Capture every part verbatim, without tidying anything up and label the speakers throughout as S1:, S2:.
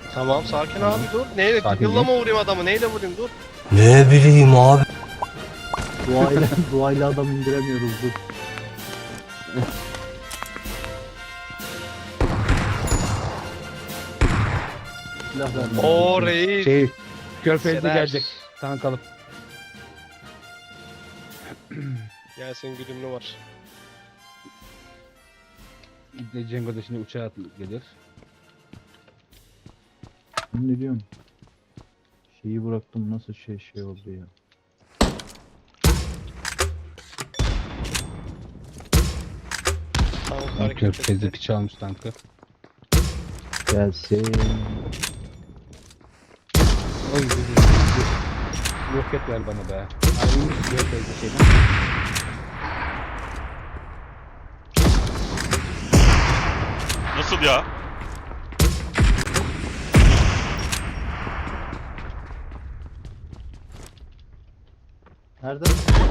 S1: Tamam sakin abi dur. Neyle?
S2: Sakin
S1: Yılla mı
S2: değil.
S1: vurayım adamı? Neyle vurayım dur.
S3: Ne bileyim abi.
S4: Duayla, duayla adam indiremiyoruz dur. Silah vermem.
S1: Oo reis.
S2: Şey, Körfez'de
S1: Sever.
S2: gelecek. Tank alıp.
S1: Gelsin güdümlü var.
S2: İbne Cengo da şimdi uçağa atılıp gelir.
S4: Ne diyorsun? Şeyi bıraktım nasıl şey şey oldu ya.
S1: Tamam
S2: Tank
S1: hareket
S2: Körfez'de
S1: etti.
S2: piç almış tankı.
S4: Gelsin.
S2: Oy bir roket ver bana be. Ayrılmış Körfez'de şeyden.
S5: Nasıl ya?
S4: Nerede?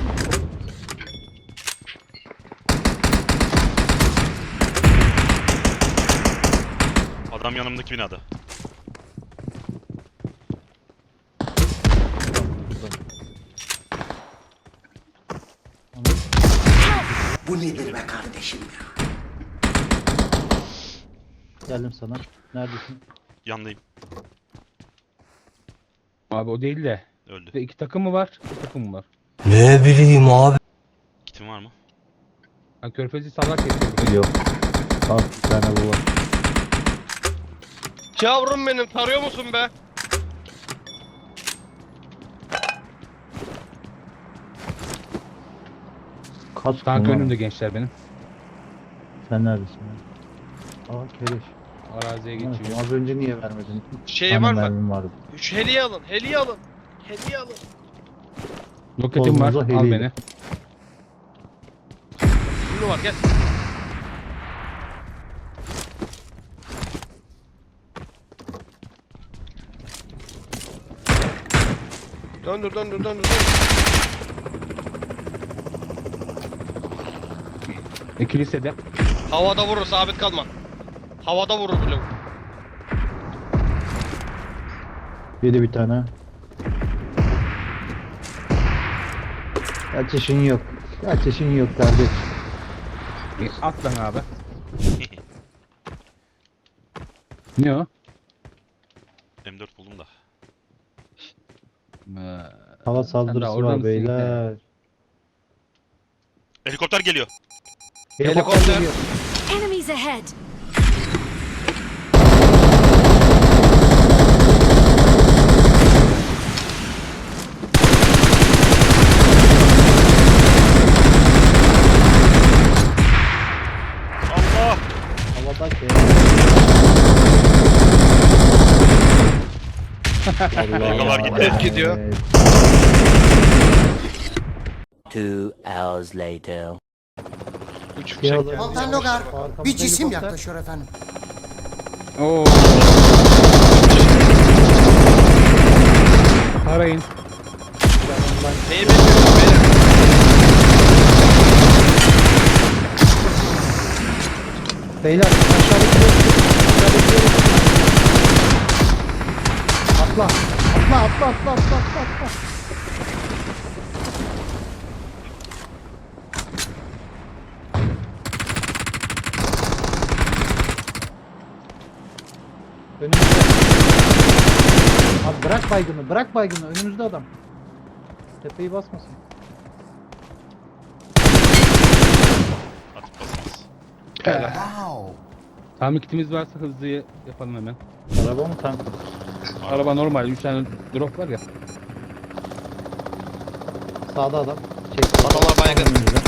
S5: Adam yanımdaki binada.
S3: Bu nedir be kardeşim ya?
S4: Geldim sana. Neredesin?
S5: Yandayım.
S2: Abi o değil de.
S5: Öldü.
S2: İki takım mı var? İki takım mı var?
S3: Ne bileyim abi.
S5: Kitim var mı?
S2: Ha, Körfez'i salak kesiyor.
S4: Yok. Al bir tane bu var.
S1: Yavrum benim tarıyor musun be?
S4: Kaç
S2: Tank
S4: kullan.
S2: önümde gençler benim.
S4: Sen neredesin? Ya? Aa keleş.
S2: Araziye
S4: Evet,
S2: geçiyor.
S4: az önce niye vermedin? Üç
S1: Şey
S4: tane
S1: var mı?
S4: mermim vardı.
S1: Şu heliyi alın. Heliyi alın. Heliyi alın.
S2: Roketim var.
S4: Kolunuza
S2: Al
S4: hediye.
S2: beni.
S1: Güdümlü var gel. Döndür döndür döndür döndür.
S2: E, kilisede.
S1: Havada vurur sabit kalma. Havada vurur bile.
S4: Yedi bir tane. Kaçışın yok. Kaçışın yok kardeş.
S2: E, at lan abi. Ne o?
S5: M dört buldum da.
S2: Ee,
S4: Hava
S2: sen daha
S4: saldırısı
S2: orada
S4: var
S2: mısın?
S4: beyler.
S5: Helikopter geliyor.
S1: Helikopter.
S4: geliyor.
S6: Enemies ahead!
S5: Allah!
S4: Havada şey.
S5: Dalgalar gitti.
S1: Evet, gidiyor.
S4: Evet.
S3: Two hours later.
S1: Üç
S4: Şey
S1: fişek
S4: alın.
S1: geldi.
S7: Komutan
S1: Yanlış
S7: Logar,
S1: yere bak.
S4: Arkamızda
S7: bir cisim
S4: helikopter.
S7: yaklaşıyor efendim.
S2: Oo. Arayın.
S1: Neyi bekliyorsun beyler?
S4: Beyler aşağıdaki aşağıdaki atla. Atla atla atla atla atla atla. Önümüzde. Abi bırak baygını, bırak baygını. Önümüzde adam. Tepeyi basmasın.
S5: Atıp basmaz.
S7: Wow.
S2: Tamir kitimiz varsa hızlı yapalım hemen.
S4: Araba mı tank mı?
S2: Araba normal. üç tane drop var ya.
S4: Sağda adam. Çek.
S1: Adamlar baygın.
S4: Önümüzde.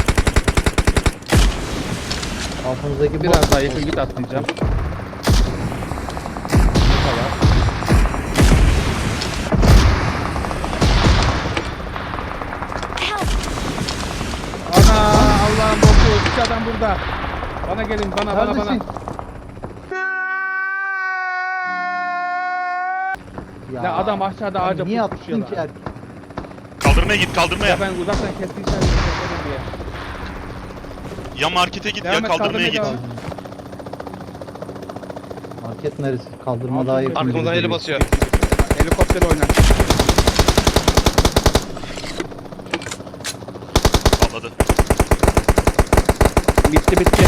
S4: Altımızdaki
S2: Biraz
S4: bot.
S2: daha yakın git atlayacağım.
S6: Help!
S2: Ana Allah'ım boku. İki adam burada. Bana gelin bana bana bana.
S4: Neredesin?
S2: Ya adam aşağıda
S4: sen
S2: ağaca
S4: niye
S2: pusmuş ya
S4: attın ki
S2: lan.
S4: erkek?
S5: Kaldırmaya git kaldırmaya.
S2: Ya ben uzaktan kestiysem yaparım diye.
S5: Ya markete git ya
S2: Devam et,
S5: kaldırmaya
S2: kaldırmaya
S5: git.
S2: devam et.
S4: Hareket neresi? Kaldırma daha yakın. gibi
S1: Arkamızdan eli
S4: duruyor.
S1: basıyor.
S2: Helikopter oynar.
S5: Patladı.
S2: Bitti bitti.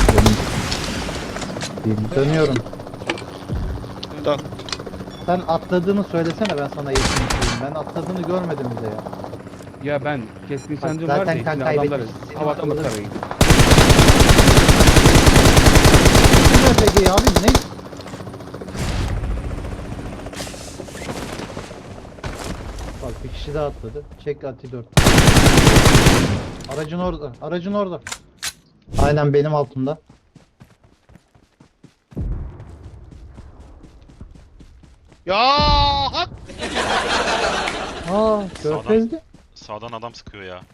S4: Bir Dönüyorum.
S1: Dön.
S4: Sen atladığını söylesene, ben sana yakın söyleyeyim. Ben atladığını görmedim bile ya.
S2: Ya ben keskin
S4: Bak,
S2: sancım
S4: zaten
S2: var ya.
S4: kan
S2: Şimdi adamları
S4: kaybetmişsin. Senin
S2: havada mı
S4: akıllı-
S2: tarayın?
S4: Ne peki abi ne? Bak bir kişi daha atladı. Çek Ati dört. Aracın orada. Aracın orada. Aynen benim altımda.
S1: Ya hak.
S4: Aa, körfezdi.
S5: Sağdan adam sıkıyor ya.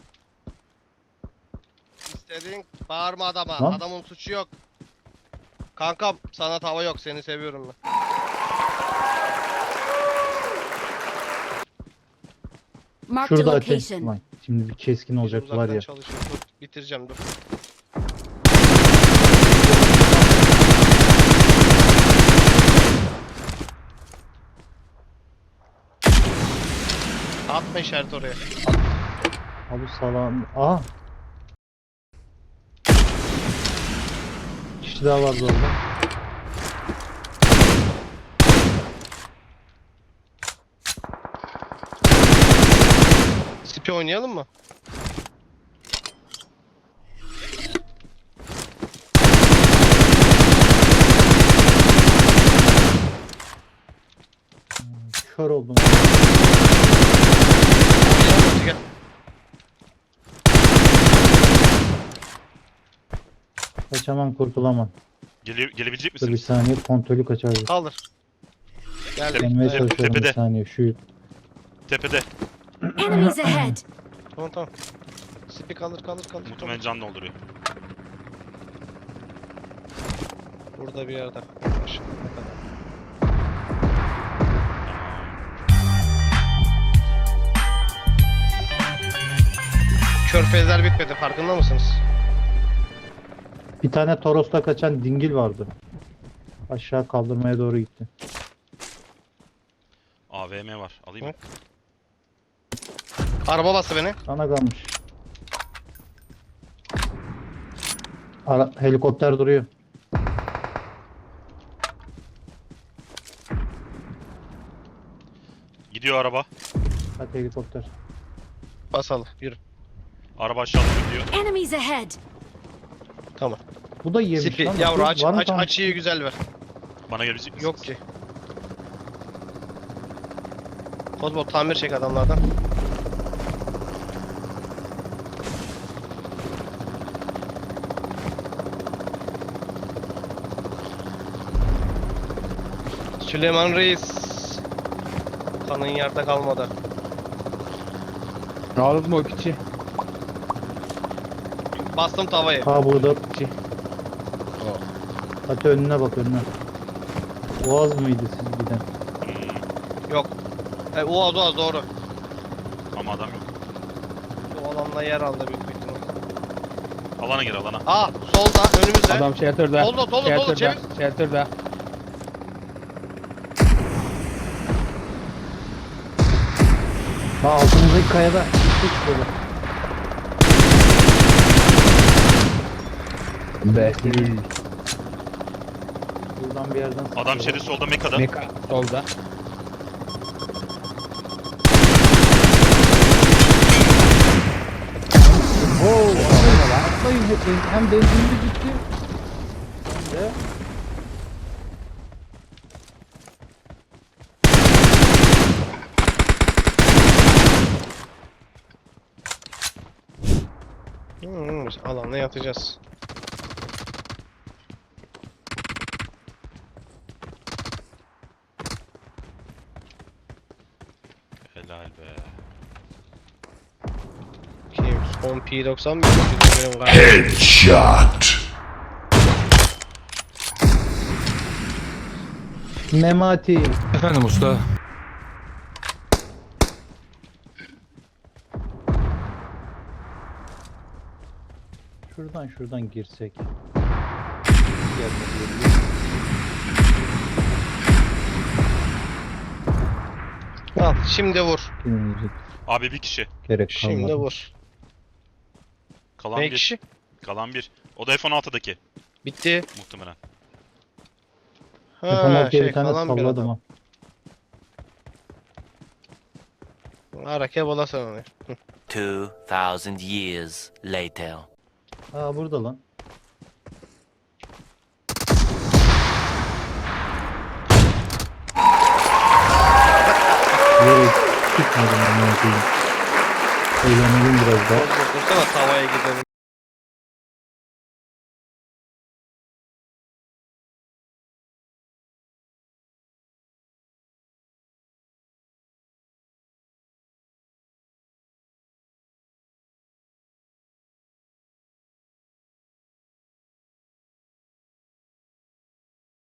S1: İstediğin bağırma adama.
S4: Lan.
S1: Adamın suçu yok. Kankam sana tava yok. Seni seviyorum ben.
S6: Marked a
S4: Şurada Ati.
S6: location.
S4: Vay, şimdi bir keskin olacak var
S1: Uzaktan
S4: ya.
S1: çalışıyorum. Dur, bitireceğim dur. Atma işaret oraya.
S4: Abi salam. Aa. Kişi daha vardı orada.
S1: Sipi oynayalım mı?
S4: Kör oldum.
S1: Gel.
S4: Kaçamam, kurtulamam.
S5: Gele gelebilecek
S4: Dur bir
S5: misiniz?
S4: saniye, kontrolü kaçardı.
S1: Kaldır. Geldik.
S4: Gelmeye
S1: Dayan.
S4: çalışıyorum bir
S5: Tepede.
S4: saniye. Şu
S5: Tepede.
S6: Enemies ahead.
S1: Tamam tamam. Sipi kaldır kaldır kaldır.
S5: Muhtemelen can dolduruyor.
S1: Burada bir yerde. Aşağı kadar. Körfezler bitmedi farkında mısınız?
S4: bir tane Toros'ta kaçan dingil vardı. Aşağı kaldırmaya doğru gitti.
S5: A V M var. Alayım mı?
S1: Araba bastı beni.
S4: Sana kalmış. Ara helikopter duruyor.
S5: Gidiyor araba.
S4: Hadi helikopter.
S1: Basalım yürü.
S5: Araba aşağıda gidiyor.
S6: Enemies ahead.
S1: Tamam.
S4: Bu da yemiş
S1: Sipi
S4: lan.
S1: yavru aç,
S4: Var mı
S1: aç
S4: tam-
S1: açıyı güzel ver.
S5: Bana gelebilecek misiniz?
S1: Yok ki. Kozbol tamir çek adamlardan. Süleyman Reis. Kanın yerde kalmadı.
S2: Aldın mı o piçi?
S1: Bastım tavayı.
S4: Ha burada.
S2: Piçi.
S4: Hadi önüne bak, önüne. Boğaz mıydı siz giden?
S5: Hmm,
S1: Yok. E, Uaz Uaz doğru.
S5: ama adam yok.
S1: Bu alanda yer aldı büyük bir ihtimal.
S5: Alana gir alana.
S1: Aa solda önümüzde.
S2: Adam shelter'da.
S1: Solda, solda, solda,
S2: Shelter'da.
S1: çevir.
S2: Shelter'da.
S4: Ha, altımızdaki kayada. Hiç böyle.
S2: Behlül.
S4: Buradan bir yerden
S5: Adam
S4: sıkıyorlar.
S5: şeyde solda Meka'da.
S2: Meka solda.
S4: Oo, atlayın, atlayın hep. Hem benzinli gitti. Hem de
S1: Hmm, alanda yatacağız.
S5: Helal be.
S1: Kim? on P doksan mı? Benim galiba.
S4: Memati.
S8: Efendim usta.
S4: Şuradan şuradan girsek.
S1: Şimdi vur.
S4: Dinleyecek
S5: Abi bir kişi.
S4: gerek
S1: Şimdi
S4: kalmadı.
S1: vur.
S5: Kalan
S1: Ne
S5: bir.
S1: kişi?
S5: Kalan bir. O da F on altıdaki
S1: Bitti.
S5: muhtemelen.
S4: Telefon
S1: Ha,
S4: altıya
S1: şey
S4: bir tane
S1: kalan bir
S4: salladım
S1: adam.
S4: ha.
S1: Ara kebola sen onu.
S3: Two thousand years later.
S4: Aa burada lan. Yere çıkmadım ama koyayım. Eğlenelim biraz daha.
S1: Dursana tavaya gidelim.